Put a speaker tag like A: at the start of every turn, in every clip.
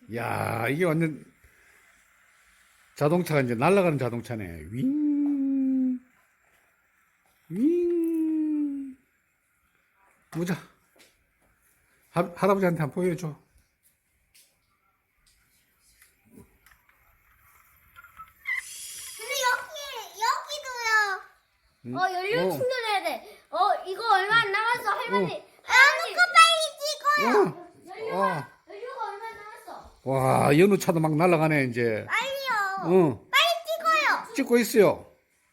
A: 야, 이게 완전 자동차가 이제 날아가는 자동차네. 윙, 윙. 보자. 할아버지한테 한번 보여줘.
B: 근데 여기도요.
A: 응?
C: 연료 충전해야 돼. 이거 얼마 안 남았어, 할머니.
B: 아무거 빨리 찍어요.
C: 연료가 얼마 안 남았어.
A: 와, 연우차도 막 날아가네, 이제.
B: 빨리요.
A: 응,
B: 빨리 찍어요.
A: 찍고 있어요.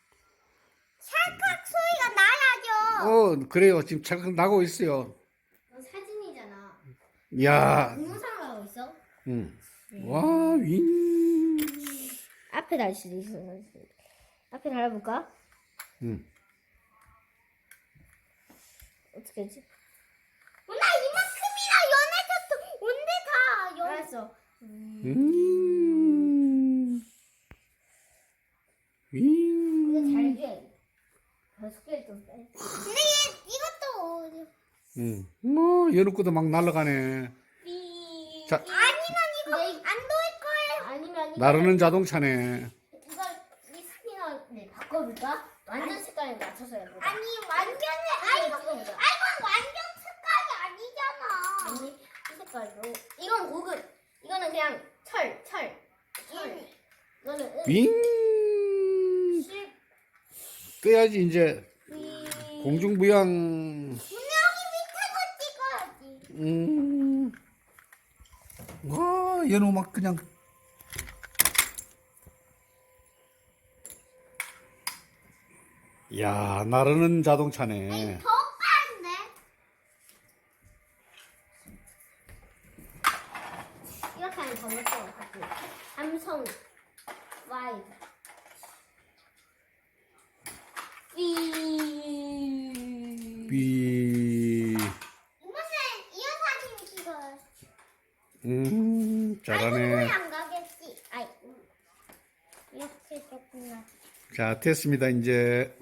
B: 찰칵 소리가 나야죠.
A: 그래요. 지금 잠깐 나고 있어요.
C: 사진이잖아.
A: 야,
C: 동영상을 하고 있어?
A: 응. 와, 윙.
C: 앞에 달 수도 있어. 앞에 달아볼까?
A: 응.
C: 어떻게 하지?
B: 누나 이만큼이나 연해졌어. 온데 다 연.
C: 알았어.
A: 윙.
C: 근데 잘게. 다섯 개 좀 빼.
B: 근데 이것도
A: 응. 연우 거도 막 날아가네. 자,
B: 아니면 이거 안 도일 거예요.
C: 아니면
A: 나르는 자동차네.
C: 이 스피너를 바꿔볼까? 완전 색깔에 맞춰서 해보자.
B: 아니 완전히 이거 완전 색깔이 아니잖아.
C: 아니 이 색깔로. 이건 고급. 이거는 그냥 철. 이거는
A: 윙.
C: 실.
A: 떠야지, 이제. 공중부양.
B: 여기 밑에도 찍어야지.
A: 와, 연우 막 그냥. 야, 나르는 자동차네.
B: 더 빠른데?
C: 이렇게 하면 더 멋져. 삼성 와이드.
A: 삐.
B: 이번엔 이어사진이 찍어요.
A: 잘하네.
B: 안 가겠지. 이렇게 했구나.
A: 자, 됐습니다, 이제.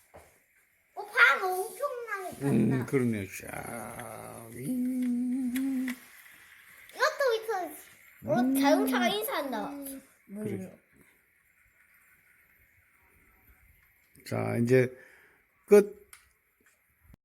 B: 방 엄청나게 탔다.
A: 그러네요. 자, 윙.
B: 이것도 밑에.
C: 자동차가 인사한다.
A: 그래. 자, 이제 끝.